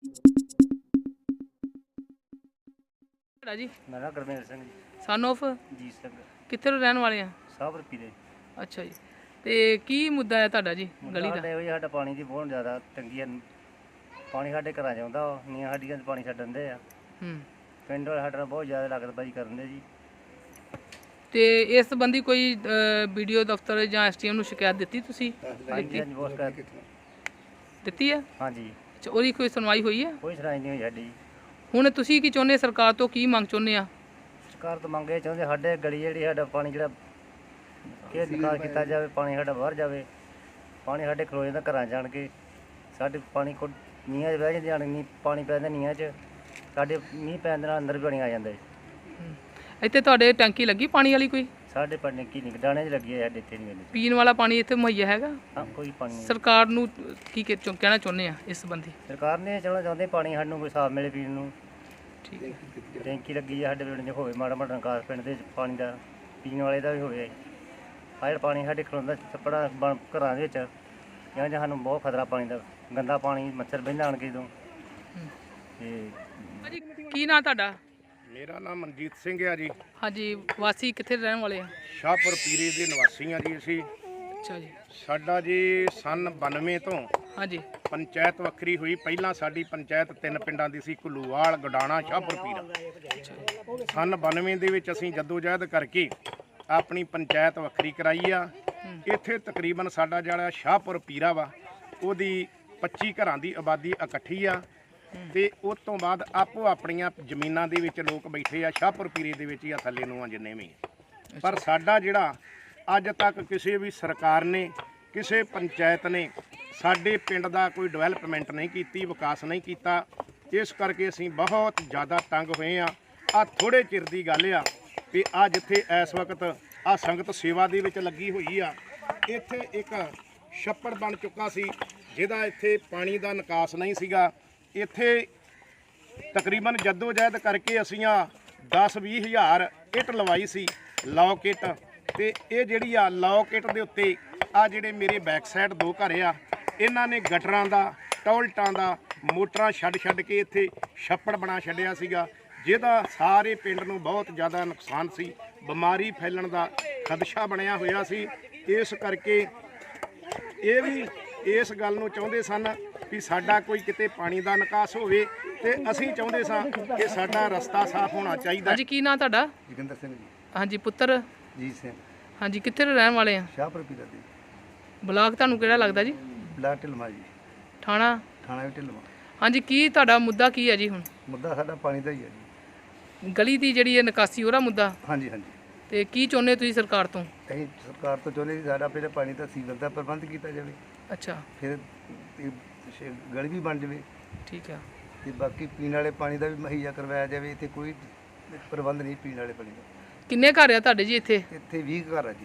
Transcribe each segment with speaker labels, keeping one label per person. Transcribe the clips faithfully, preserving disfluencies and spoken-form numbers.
Speaker 1: जी
Speaker 2: मेरा Gurmel Singh ji
Speaker 1: son of
Speaker 2: Jeet Singh
Speaker 1: कित्थे रहने वाले हैं?
Speaker 2: साहब रपी दे
Speaker 1: अच्छा जी। ਤੇ ਕੀ ਮੁੱਦਾ ਹੈ ਤੁਹਾਡਾ ਜੀ ਗਲੀ ਦਾ?
Speaker 2: ਸਾਡੇ ਹੋਈ ਸਾਡਾ ਪਾਣੀ ਦੀ ਬਹੁਤ ਜ਼ਿਆਦਾ ਤੰਗੀ ਹੈ। ਪਾਣੀ ਸਾਡੇ ਘਰਾਂ 'ਚ ਆਉਂਦਾ ਵਾ, ਨੀਆਂ ਸਾਡੀਆਂ 'ਚ ਪਾਣੀ ਛੱਡਣ ਦੇ ਆ।
Speaker 1: ਹੂੰ
Speaker 2: ਪਿੰਡ ਵਾਲੇ ਸਾਡੇ ਨਾਲ ਬਹੁਤ ਜ਼ਿਆਦਾ ਲਾਗਤਬਾਜ਼ੀ ਕਰਨ ਦੇ ਜੀ।
Speaker 1: ਤੇ ਇਸ ਸੰਬੰਧੀ ਕੋਈ ਵੀਡੀਓ ਦਫ਼ਤਰ ਜਾਂ ਐਸਟੀਐਮ ਨੂੰ ਸ਼ਿਕਾਇਤ ਦਿੱਤੀ ਤੁਸੀਂ?
Speaker 2: ਹਾਂਜੀ ਹਾਂਜੀ ਬਹੁਤ ਸ਼ਿਕਾਇਤ
Speaker 1: ਦਿੱਤੀ ਹੈ?
Speaker 2: ਹਾਂਜੀ
Speaker 1: ਅੱਛਾ, ਉਹਦੀ ਕੋਈ ਸੁਣਵਾਈ ਹੋਈ ਹੈ?
Speaker 2: ਕੋਈ ਸੁਣਾਈ ਨਹੀਂ ਹੋਈ ਸਾਡੀ।
Speaker 1: ਹੁਣ ਤੁਸੀਂ ਕੀ ਚਾਹੁੰਦੇ ਸਰਕਾਰ ਤੋਂ, ਕੀ ਮੰਗ ਚਾਹੁੰਦੇ ਆ?
Speaker 2: ਸਰਕਾਰ ਤੋਂ ਮੰਗ ਇਹ ਚਾਹੁੰਦੇ ਸਾਡੇ ਗਲੀ ਜਿਹੜੀ ਸਾਡਾ ਪਾਣੀ ਜਿਹੜਾ ਕਿ ਨਿਕਾਲ ਕੀਤਾ ਜਾਵੇ, ਪਾਣੀ ਸਾਡਾ ਬਾਹਰ ਜਾਵੇ। ਪਾਣੀ ਸਾਡੇ ਖਲੋ ਜਾਂਦਾ ਘਰਾਂ ਜਾਣ ਕੇ, ਸਾਡੇ ਪਾਣੀ ਕੋ ਨੀਹਾਂ 'ਚ ਬਹਿ ਜਾਂਦੇ ਆਣ ਨੀ ਪਾਣੀ ਪੈ ਜਾਂਦਾ ਨੀਹਾਂ 'ਚ, ਸਾਡੇ ਮੀਂਹ ਪੈਣ ਦੇ ਨਾਲ ਅੰਦਰ ਵੀ ਪਾਣੀ ਆ ਜਾਂਦਾ।
Speaker 1: ਇੱਥੇ ਤੁਹਾਡੇ ਟੈਂਕੀ ਲੱਗੀ ਪਾਣੀ ਵਾਲੀ ਕੋਈ?
Speaker 2: ਸਾਡੇ ਪਾਣੀ ਕੀ ਨਹੀਂ ਡਾਣੇ 'ਚ ਲੱਗੀ ਹੈ, ਸਾਡੇ ਇੱਥੇ ਨਹੀਂ ਮਿਲਦੀ।
Speaker 1: ਪੀਣ ਵਾਲਾ ਪਾਣੀ ਇੱਥੇ ਮੁਹੱਈਆ ਹੈਗਾ?
Speaker 2: ਹਾਂ ਕੋਈ ਪਾਣੀ ਨਹੀਂ।
Speaker 1: ਸਰਕਾਰ ਨੂੰ ਕੀ ਕਹਿ- ਚੋ- ਕਹਿਣਾ ਚਾਹੁੰਦੇ ਆ ਇਸ ਸੰਬੰਧੀ?
Speaker 2: ਸਰਕਾਰ ਨੇ ਚਾਹੁੰਦਾ ਚਾਹੁੰਦੇ ਪਾਣੀ ਸਾਨੂੰ ਕੋਈ ਸਾਫ ਮਿਲੇ ਪੀਣ ਨੂੰ।
Speaker 1: ਠੀਕ ਹੈ।
Speaker 2: ਟੈਂਕੀ ਲੱਗੀ ਹੈ ਸਾਡੇ ਪਿੰਡ 'ਚ, ਹੋਵੇ ਮਾੜਾ ਮਾੜਾ ਨਿਕਾਸ ਪਿੰਡ ਦੇ ਪਾਣੀ ਦਾ, ਪੀਣ ਵਾਲੇ ਦਾ ਵੀ ਹੋਵੇ। ਆਹ ਜਿਹੜਾ ਪਾਣੀ ਸਾਡੇ ਖਲੋਂਦਾ ਛੱਪੜਾ ਬਣ ਘਰਾਂ ਦੇ ਵਿੱਚ, ਜਾਂ ਜਾਂ ਸਾਨੂੰ ਬਹੁਤ ਖਤਰਾ ਪਾਣੀ ਦਾ, ਗੰਦਾ ਪਾਣੀ, ਮੱਛਰ ਬਹਿੰਦਾ ਆਣ ਕੇ ਜਦੋਂ। ਤੇ
Speaker 1: ਭਾਜੀ ਕੀ ਨਾਂ ਤੁਹਾਡਾ?
Speaker 3: ਮੇਰਾ ਨਾਮ ਮਨਜੀਤ ਸਿੰਘ ਹੈ ਜੀ।
Speaker 1: ਹਾਂਜੀ, ਵਾਸੀ ਕਿੱਥੇ ਰਹਿਣ ਵਾਲੇ ਆ?
Speaker 3: ਸ਼ਾਹਪੁਰ ਪੀਰੇ ਦੇ ਨਿਵਾਸੀ ਹਾਂ ਜੀ ਅਸੀਂ।
Speaker 1: ਅੱਛਾ ਜੀ।
Speaker 3: ਸਾਡਾ ਜੀ ਸਨ ਬਾਨਵੇਂ ਤੋਂ
Speaker 1: ਹਾਂਜੀ
Speaker 3: ਪੰਚਾਇਤ ਵੱਖਰੀ ਹੋਈ। ਪਹਿਲਾਂ ਸਾਡੀ ਪੰਚਾਇਤ ਤਿੰਨ ਪਿੰਡਾਂ ਦੀ ਸੀ, ਘੁੱਲੂਵਾਲ, ਗਡਾਣਾ, ਸ਼ਾਹਪੁਰ ਪੀਰਾ। ਸਨ ਬਾਨਵੇਂ ਦੇ ਵਿੱਚ ਅਸੀਂ ਜਦੋਜਹਿਦ ਕਰਕੇ ਆਪਣੀ ਪੰਚਾਇਤ ਵੱਖਰੀ ਕਰਾਈ ਆ। ਇੱਥੇ ਤਕਰੀਬਨ ਸਾਡਾ ਜਿਹੜਾ ਸ਼ਾਹਪੁਰ ਪੀਰਾ ਵਾ, ਉਹਦੀ ਪੱਚੀ ਘਰਾਂ ਦੀ ਆਬਾਦੀ ਇਕੱਠੀ ਆ। ਤੇ ਉਸ ਤੋਂ ਬਾਅਦ ਆਪੋ ਆਪਣੀਆਂ ਜ਼ਮੀਨਾਂ ਦੇ ਵਿੱਚ ਲੋਕ ਬੈਠੇ ਆ। ਸ਼ਾਹਪੁਰ ਪੀਰੇ ਦੇ ਵਿੱਚ ਹੀ ਆ, ਥੱਲੇ ਨੂੰ ਆ ਜਿੰਨੇ ਵੀ। ਪਰ ਸਾਡਾ ਜਿਹੜਾ ਅੱਜ ਤੱਕ ਕਿਸੇ ਵੀ ਸਰਕਾਰ ਨੇ, ਕਿਸੇ ਪੰਚਾਇਤ ਨੇ ਸਾਡੇ ਪਿੰਡ ਦਾ ਕੋਈ ਡਿਵੈਲਪਮੈਂਟ ਨਹੀਂ ਕੀਤੀ, ਵਿਕਾਸ ਨਹੀਂ ਕੀਤਾ। ਇਸ ਕਰਕੇ ਅਸੀਂ ਬਹੁਤ ਜ਼ਿਆਦਾ ਤੰਗ ਹੋਏ ਆ। ਆ ਥੋੜੇ ਚਿਰ ਦੀ ਗੱਲ ਆ ਵੀ ਆ ਜਿੱਥੇ ਇਸ ਵਕਤ ਆ ਸੰਗਤ ਸੇਵਾ ਦੇ ਵਿੱਚ ਲੱਗੀ ਹੋਈ ਆ, ਇੱਥੇ ਇੱਕ ਛੱਪੜ ਬਣ ਚੁੱਕਾ ਸੀ ਜਿਹਦਾ ਇੱਥੇ ਪਾਣੀ ਦਾ ਨਿਕਾਸ ਨਹੀਂ ਸੀਗਾ। ਇੱਥੇ ਤਕਰੀਬਨ ਜਦੋਜਹਿਦ ਕਰਕੇ ਅਸੀਂ ਆ ਦਸ ਵੀਹ ਹਜ਼ਾਰ ਇੱਟ ਲਵਾਈ ਸੀ, ਲੌਕ ਇੱਟ। ਤੇ ਇਹ ਜਿਹੜੀ ਆ ਲੌਕ ਇੱਟ ਦੇ ਉੱਤੇ ਆ ਜਿਹੜੇ ਮੇਰੇ ਬੈਕ ਸਾਈਡ ਦੋ ਘਰ ਆ, ਇਹਨਾਂ ਨੇ ਗਟਰਾਂ ਦਾ, ਟੋਇਲਟਾਂ ਦਾ, ਮੋਟਰਾਂ ਛੱਡ ਛੱਡ ਕੇ ਇੱਥੇ ਛੱਪੜ ਬਣਾ ਛੱਡਿਆ ਸੀਗਾ, ਜਿਹਦਾ ਸਾਰੇ ਪਿੰਡ ਨੂੰ ਬਹੁਤ ਜ਼ਿਆਦਾ ਨੁਕਸਾਨ ਸੀ। ਬਿਮਾਰੀ ਫੈਲਣ ਦਾ ਖਦਸ਼ਾ ਬਣਿਆ ਹੋਇਆ ਸੀ। ਇਸ ਕਰਕੇ ਇਹ ਵੀ ਇਸ ਗੱਲ ਨੂੰ ਚਾਹੁੰਦੇ ਸਨ ਵੀ ਸਾਡਾ ਕੋਈ ਕਿਤੇ ਪਾਣੀ ਦਾ ਨਿਕਾਸ ਹੋਵੇ, ਤੇ ਅਸੀਂ ਚਾਹੁੰਦੇ ਸਾਂ ਕਿ ਸਾਡਾ ਰਸਤਾ ਸਾਫ਼ ਹੋਣਾ ਚਾਹੀਦਾ।
Speaker 1: ਹਾਂਜੀ, ਕੀ ਨਾਂ ਤੁਹਾਡਾ?
Speaker 2: ਜੋਗਿੰਦਰ ਸਿੰਘ ਜੀ
Speaker 1: ਹਾਂਜੀ ਪੁੱਤਰ?
Speaker 2: ਜੀਤ ਸਿੰਘ
Speaker 1: ਹਾਂਜੀ, ਕਿੱਥੇ ਦੇ ਰਹਿਣ ਵਾਲੇ ਆ?
Speaker 2: ਸ਼ਾਹਪੁਰ ਪੀਰਾ ਦੇ
Speaker 1: ਬਲਾਕ ਤੁਹਾਨੂੰ ਕਿਹੜਾ ਲੱਗਦਾ ਜੀ?
Speaker 2: ਬਲਾਕ ਢਿਲਮਾ ਜੀ,
Speaker 1: ਥਾਣਾ?
Speaker 2: ਥਾਣਾ ਵੀ ਢਿਲਮਾ।
Speaker 1: ਹਾਂਜੀ, ਕੀ ਤੁਹਾਡਾ ਮੁੱਦਾ ਕੀ ਹੈ ਜੀ? ਹੁਣ
Speaker 2: ਮੁੱਦਾ ਸਾਡਾ ਪਾਣੀ ਦਾ ਹੀ ਹੈ ਜੀ।
Speaker 1: ਗਲੀ ਦੀ ਜਿਹੜੀ ਹੈ ਨਿਕਾਸੀ, ਉਹਦਾ ਮੁੱਦਾ।
Speaker 2: ਹਾਂਜੀ ਹਾਂਜੀ
Speaker 1: ਤੇ ਕੀ ਚਾਹੁੰਦੇ ਤੁਸੀਂ ਸਰਕਾਰ ਤੋਂ?
Speaker 2: ਅਸੀਂ ਸਰਕਾਰ ਤੋਂ ਚਾਹੁੰਦੇ ਜੀ ਸਾਡਾ ਪਹਿਲੇ ਪਾਣੀ ਦਾ ਸੀਵਰ ਦਾ ਪ੍ਰਬੰਧ ਕੀਤਾ ਜਾਵੇ,
Speaker 1: ਅੱਛਾ
Speaker 2: ਫਿਰ ਇਹ ਸ਼- ਗਲੀ ਵੀ ਬਣ ਜਾਵੇ,
Speaker 1: ਠੀਕ ਆ।
Speaker 2: ਤੇ ਬਾਕੀ ਪੀਣ ਵਾਲੇ ਪਾਣੀ ਦਾ ਵੀ ਮੁਹੱਈਆ ਕਰਵਾਇਆ ਜਾਵੇ। ਇੱਥੇ ਕੋਈ ਪ੍ਰਬੰਧ ਨਹੀਂ ਪੀਣ ਵਾਲੇ ਪਾਣੀ ਦਾ।
Speaker 1: ਕਿੰਨੇ ਘਰ ਆ ਤੁਹਾਡੇ ਜੀ ਇੱਥੇ?
Speaker 2: ਇੱਥੇ ਵੀਹ ਘਰ ਆ ਜੀ।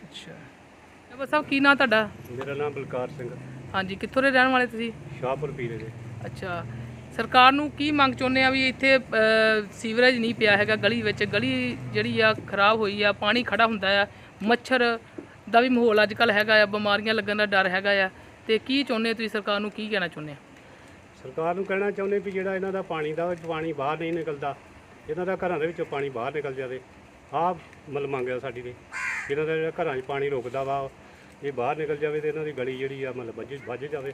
Speaker 1: ਅੱਛਾ ਬਸ ਸਾਹਿਬ, ਕੀ ਨਾਂ ਤੁਹਾਡਾ?
Speaker 4: ਮੇਰਾ ਨਾਮ ਬਲਕਾਰ ਸਿੰਘ,
Speaker 1: ਹਾਂਜੀ, ਕਿੱਥੋਂ ਦੇ ਰਹਿਣ ਵਾਲੇ ਤੁਸੀਂ?
Speaker 4: ਸ਼ਾਹਪੁਰ ਪੀਰੇ ਦੇ।
Speaker 1: ਅੱਛਾ, ਸਰਕਾਰ ਨੂੰ ਕੀ ਮੰਗ ਚਾਹੁੰਦੇ ਆ ਵੀ ਇੱਥੇ ਅ, ਸੀਵਰੇਜ ਨਹੀਂ ਪਿਆ ਹੈਗਾ ਗਲੀ ਵਿੱਚ, ਗਲੀ ਜਿਹੜੀ ਆ ਖਰਾਬ ਹੋਈ ਆ, ਪਾਣੀ ਖੜਾ ਹੁੰਦਾ ਆ, ਮੱਛਰ ਦਾ ਵੀ ਮਾਹੌਲ ਅੱਜ ਕੱਲ੍ਹ ਹੈਗਾ ਆ, ਬਿਮਾਰੀਆਂ ਲੱਗਣ ਦਾ ਡਰ ਹੈਗਾ ਆ। ਤੇ ਕੀ ਚਾਹੁੰਦੇ ਤੁਸੀਂ ਸਰਕਾਰ ਨੂੰ, ਕੀ ਕਹਿਣਾ ਚਾਹੁੰਦੇ ਆ?
Speaker 4: ਸਰਕਾਰ ਨੂੰ ਕਹਿਣਾ ਚਾਹੁੰਦੇ ਵੀ ਜਿਹੜਾ ਇਹਨਾਂ ਦਾ ਪਾਣੀ ਦਾ ਪਾਣੀ ਬਾਹਰ ਨਹੀਂ ਨਿਕਲਦਾ, ਇਹਨਾਂ ਦਾ ਘਰਾਂ ਦੇ ਵਿੱਚੋਂ ਪਾਣੀ ਬਾਹਰ ਨਿਕਲ ਜਾਵੇ। ਆਹ ਮਤਲਬ ਮੰਗਿਆ ਸਾਡੀ ਨੇ, ਇਹਨਾਂ ਦਾ ਜਿਹੜਾ ਘਰਾਂ 'ਚ ਪਾਣੀ ਰੁਕਦਾ ਵਾ, ਇਹ ਬਾਹਰ ਨਿਕਲ ਜਾਵੇ ਤੇ ਇਹਨਾਂ ਦੀ ਗਲੀ ਜਿਹੜੀ ਆ ਮਤਲਬ ਵੱਜ ਵੱਜ ਜਾਵੇ।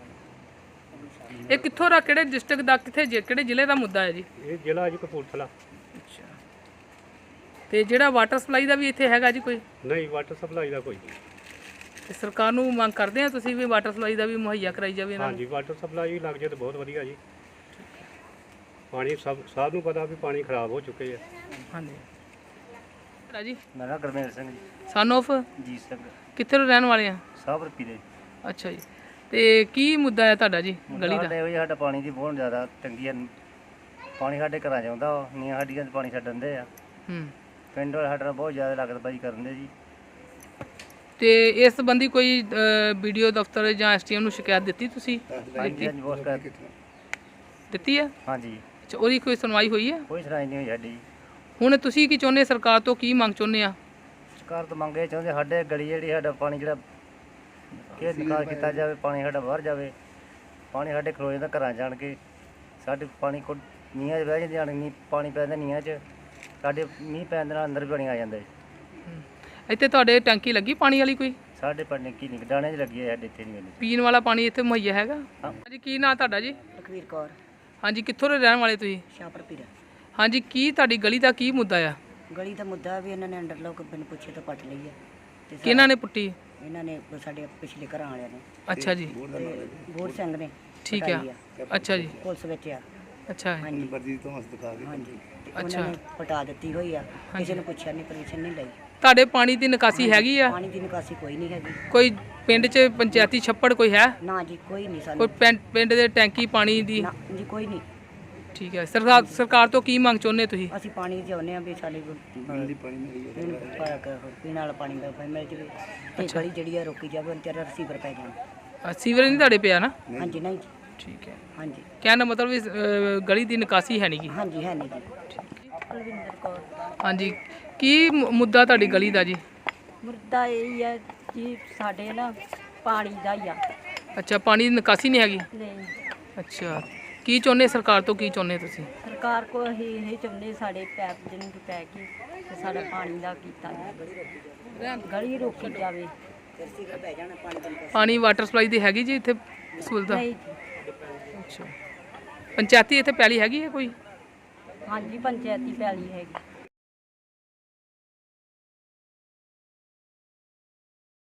Speaker 1: ਇਹ ਕਿੱਥੋਂ ਦਾ, ਕਿਹੜੇ ਡਿਸਟ੍ਰਿਕਟ ਦਾ, ਕਿੱਥੇ ਜ਼ਿ- ਕਿਹੜੇ ਜ਼ਿਲ੍ਹੇ ਦਾ ਮੁੱਦਾ ਹੈ ਜੀ?
Speaker 4: ਇਹ ਜ਼ਿਲ੍ਹਾ ਜੀ ਕਪੂਰਥਲਾ।
Speaker 1: ਅੱਛਾ, ਤੇ ਜਿਹੜਾ ਵਾਟਰ ਸਪਲਾਈ ਦਾ ਵੀ ਇੱਥੇ ਹੈਗਾ ਜੀ ਕੋਈ?
Speaker 4: ਨਹੀਂ, ਵਾਟਰ ਸਪਲਾਈ ਦਾ ਕੋਈ ਨਹੀਂ।
Speaker 1: ਤੇ ਸਰਕਾਰ ਨੂੰ ਮੰਗ ਕਰਦੇ ਆ ਤੁਸੀਂ ਵੀ ਵਾਟਰ ਸਪਲਾਈ ਦਾ ਵੀ ਮੁਹੱਈਆ ਕਰਾਈ ਜਾਵੇ ਇਹਨਾਂ ਨੂੰ?
Speaker 4: ਹਾਂਜੀ, ਵਾਟਰ ਸਪਲਾਈ ਲੱਗ ਜਾਏ ਤਾਂ ਬਹੁਤ ਵਧੀਆ ਜੀ। ਪਾਣੀ ਸਭ ਸਭ ਨੂੰ ਪਤਾ ਵੀ ਪਾਣੀ ਖਰਾਬ ਹੋ ਚੁੱਕੇ ਆ।
Speaker 1: ਹਾਂਜੀ ਜੀ।
Speaker 2: ਮੇਰਾ ਗੁਰਮੇਲ ਸਿੰਘ ਜੀ
Speaker 1: ਸਨ ਆਫ
Speaker 2: ਜੀਤ ਸਿੰਘ
Speaker 1: ਕਿੱਥੇ ਦੇ ਰਹਿਣ ਵਾਲੇ ਆ?
Speaker 2: ਸਾਹਬ ਰਪੀ ਦੇ।
Speaker 1: ਅੱਛਾ ਜੀ। ਤੇ ਕੀ ਮੁੱਦਾ ਹੈ ਤੁਹਾਡਾ ਜੀ ਗਲੀ ਦਾ?
Speaker 2: ਸਾਡੇ ਹੋਈ ਸਾਡਾ ਪਾਣੀ ਦੀ ਬਹੁਤ ਜ਼ਿਆਦਾ ਤੰਗੀ ਹੈ। ਪਾਣੀ ਸਾਡੇ ਘਰਾਂ 'ਚ ਆਉਂਦਾ ਵਾ, ਨੀਆਂ ਸਾਡੀਆਂ 'ਚ ਪਾਣੀ ਛੱਡਣ ਦੇ ਆ।
Speaker 1: ਹੂੰ
Speaker 2: ਪਿੰਡ ਵਾਲੇ ਸਾਡੇ ਨਾਲ ਬਹੁਤ ਜ਼ਿਆਦਾ ਲਾਗਤਬਾਜ਼ੀ ਕਰਨ ਦੇ ਜੀ।
Speaker 1: ਤੇ ਇਸ ਸੰਬੰਧੀ ਕੋਈ ਵੀਡੀਓ ਦਫ਼ਤਰ ਜਾਂ ਐਸਟੀਐਮ ਨੂੰ ਸ਼ਿਕਾਇਤ ਦਿੱਤੀ ਤੁਸੀਂ?
Speaker 2: ਹਾਂਜੀ ਹਾਂਜੀ ਬਹੁਤ ਸ਼ਿਕਾਇਤ
Speaker 1: ਦਿੱਤੀ ਹੈ?
Speaker 2: ਹਾਂਜੀ
Speaker 1: ਅੱਛਾ, ਉਹਦੀ ਕੋਈ ਸੁਣਵਾਈ ਹੋਈ ਹੈ?
Speaker 2: ਕੋਈ ਸੁਣਾਈ ਨਹੀਂ ਹੋਈ ਸਾਡੀ।
Speaker 1: ਹੁਣ ਤੁਸੀਂ ਕੀ ਚਾਹੁੰਦੇ ਸਰਕਾਰ ਤੋਂ, ਕੀ ਮੰਗ ਚਾਹੁੰਦੇ ਆ?
Speaker 2: ਸਰਕਾਰ ਤੋਂ ਮੰਗ ਇਹ ਚਾਹੁੰਦੇ ਸਾਡੇ ਗਲੀ ਜਿਹੜੀ ਸਾਡਾ ਪਾਣੀ ਜਿਹੜਾ ਕਿ ਨਿਕਾਲ ਕੀਤਾ ਜਾਵੇ, ਪਾਣੀ ਸਾਡਾ ਬਾਹਰ ਜਾਵੇ। ਪਾਣੀ ਸਾਡੇ ਖਲੋ ਜਾਂਦਾ ਘਰਾਂ ਜਾਣ ਕੇ, ਸਾਡੇ ਪਾਣੀ ਕੋ ਨੀਹਾਂ 'ਚ ਬਹਿ ਜਾਂਦੇ ਹਨ, ਨੀ ਪਾਣੀ ਪੈਂਦਾ ਨੀਹਾਂ 'ਚ, ਸਾਡੇ ਮੀਂਹ ਪੈਣ ਦੇ ਨਾਲ ਅੰਦਰ ਵੀ ਪਾਣੀ ਆ ਜਾਂਦਾ ਜੀ।
Speaker 1: ਇੱਥੇ ਤੁਹਾਡੇ ਟੈਂਕੀ ਲੱਗੀ ਪਾਣੀ ਵਾਲੀ ਕੋਈ?
Speaker 2: ਸਾਡੇ ਪਾਣੀ ਕੀ ਨਹੀਂ ਡਾਣੇ 'ਚ ਲੱਗੀ ਹੈ, ਸਾਡੇ ਇੱਥੇ ਨਹੀਂ ਮਿਲਦੀ।
Speaker 1: ਪੀਣ ਵਾਲਾ ਪਾਣੀ ਇੱਥੇ ਮੁਹੱਈਆ ਹੈਗਾ?
Speaker 2: ਹਾਂ।
Speaker 1: ਹਾਂਜੀ, ਕੀ ਨਾਂ ਤੁਹਾਡਾ ਜੀ?
Speaker 5: ਲਖਵੀਰ ਕੌਰ,
Speaker 1: ਹਾਂਜੀ, ਕਿੱਥੋਂ ਦੇ ਰਹਿਣ ਵਾਲੇ ਤੁਸੀਂ?
Speaker 5: ਸ਼ਾਹਪੁਰ ਪੀਰਾ।
Speaker 1: ਹਾਂਜੀ, ਕੀ ਤੁਹਾਡੀ ਗਲੀ ਦਾ ਕੀ ਮੁੱਦਾ ਆ?
Speaker 5: ਗਲੀ ਦਾ ਮੁੱਦਾ ਵੀ ਇਹਨਾਂ ਨੇ ਅੰਡਰ ਲੋਕ ਬਿਨ ਪੁੱਛੇ ਤੋਂ ਪੱਟ ਲਈ ਹੈ ਤੇ
Speaker 1: ਕਿਹਨਾਂ ਨੇ ਪੁੱਟੀ?
Speaker 5: ਇਹਨਾਂ ਨੇ ਸਾਡੇ ਪਿਛਲੇ ਘਰਾਂ ਵਾਲਿਆਂ ਨੇ
Speaker 1: ਅੱਛਾ ਜੀ,
Speaker 5: ਤੇ ਬੋੜ ਸਿੰਘ ਨੇ
Speaker 1: ਠੀਕ ਆ।
Speaker 5: ਪਟਾਈ
Speaker 1: ਅੱਛਾ ਜੀ,
Speaker 5: ਪੁਲਿਸ ਵਿੱਚ ਆ।
Speaker 1: ਅੱਛਾ
Speaker 5: ਹਾਂਜੀ ਹਾਂਜੀ ਤੇ
Speaker 1: ਅੱਛਾ।
Speaker 5: ਉਹਨਾਂ ਨੇ ਪਟਾ ਦਿੱਤੀ ਹੋਈ ਆ, ਕਿਸੇ ਨੇ ਪੁੱਛਿਆ ਨਹੀਂ, ਪਰਮਿਸ਼ਨ ਨਹੀਂ ਲਈ।
Speaker 1: ਤੁਹਾਡੇ ਪਾਣੀ ਦੀ ਨਿਕਾਸੀ ਹੈਗੀ ਆ?
Speaker 5: ਪਾਣੀ ਦੀ ਨਿਕਾਸੀ ਕੋਈ ਨਹੀਂ ਹੈਗੀ।
Speaker 1: ਕੋਈ ਪਿੰਡ 'ਚ ਪੰਚਾਇਤੀ ਛੱਪੜ ਕੋਈ ਹੈ?
Speaker 5: ਨਾ ਜੀ, ਕੋਈ ਨਹੀਂ
Speaker 1: ਕੋਈ
Speaker 5: ਸਾਨੂੰ।
Speaker 1: ਪਿੰਡ ਪਿੰਡ ਦੇ ਟੈਂਕੀ ਪਾਣੀ ਦੀ?
Speaker 5: ਨਾ ਜੀ, ਕੋਈ ਨਹੀਂ।
Speaker 1: ਠੀਕ ਹੈ। ਸਰਕਾਰ ਸਰਕਾਰ ਤੋਂ ਕੀ ਮੰਗ ਚਾਹੁੰਦੇ ਤੁਸੀਂ?
Speaker 5: ਅਸੀਂ ਪਾਣੀ ਚਾਹੁੰਦੇ ਆ ਵੀ ਸਾਡੇ ਪੀਣ ਪੀਣ ਵਾਲਾ ਪਾਣੀ ਦਾ ਮਿਲ ਜਾਵੇ ਤੇ ਗਲੀ ਜਿਹੜੀ ਆ ਰੋਕੀ ਜਾਵੇ, ਉਹਨਾਂ ਤੇਰਾ ਰਸੀਵਰ ਪੈ ਜਾਣ।
Speaker 1: ਅ, ਸੀਵਰੇਜ ਨਹੀਂ ਤੁਹਾਡੇ ਪਿਆ ਨਾ?
Speaker 5: ਹਾਂਜੀ ਨਹੀਂ ਜੀ,
Speaker 1: ਠੀਕ ਹੈ।
Speaker 5: ਹਾਂਜੀ
Speaker 1: ਕਹਿਣ ਦਾ ਮਤਲਬ ਵੀ ਅ, ਗਲੀ ਦੀ ਨਿਕਾਸੀ ਹੈ ਨਹੀਂ ਗੀ।
Speaker 5: ਹਾਂਜੀ ਹੈ ਨਹੀਂ ਜੀ। ਕੁਲਵਿੰਦਰ ਕੌਰ।
Speaker 1: ਹਾਂਜੀ, ਕੀ ਮੁ- ਮੁੱਦਾ ਤੁਹਾਡੀ ਗਲੀ ਦਾ ਜੀ?
Speaker 6: ਮੁੱਦਾ ਇਹ ਹੈ ਕਿ ਸਾਡੇ ਨਾ ਪਾਣੀ ਦਾ ਹੀ ਆ।
Speaker 1: ਅੱਛਾ, ਪਾਣੀ ਦੀ ਨਿਕਾਸੀ ਨਹੀਂ ਹੈਗੀ?
Speaker 6: ਨਹੀਂ,
Speaker 1: ਅੱਛਾ, ਕੀ ਚਾਹੁੰਦੇ ਸਰਕਾਰ ਤੋਂ, ਕੀ ਚਾਹੁੰਦੇ ਤੁਸੀਂ?
Speaker 6: ਸਰਕਾਰ ਕੋਲ ਅਸੀਂ ਇਹ ਚਾਹੁੰਦੇ ਸਾਡੇ ਪੈਪ ਜਿਹਨੂੰ ਪੈ ਕੇ ਤੇ ਸਾਡਾ ਪਾਣੀ ਦਾ ਕੀਤਾ ਜਾਵੇ, ਗਲੀ ਰੋਕੀ ਜਾਵੇ।
Speaker 1: ਪਾਣੀ ਵਾਟਰ ਸਪਲਾਈ ਦੀ ਹੈਗੀ ਜੀ ਇੱਥੇ ਸਹੂਲਤ?
Speaker 6: ਨਹੀਂ,
Speaker 1: ਅੱਛਾ, ਪੰਚਾਇਤੀ ਇੱਥੇ ਪੈਲੀ ਹੈਗੀ ਹੈ ਕੋਈ?
Speaker 6: ਹਾਂਜੀ ਪੰਚਾਇਤੀ ਪੈਲੀ ਹੈਗੀ।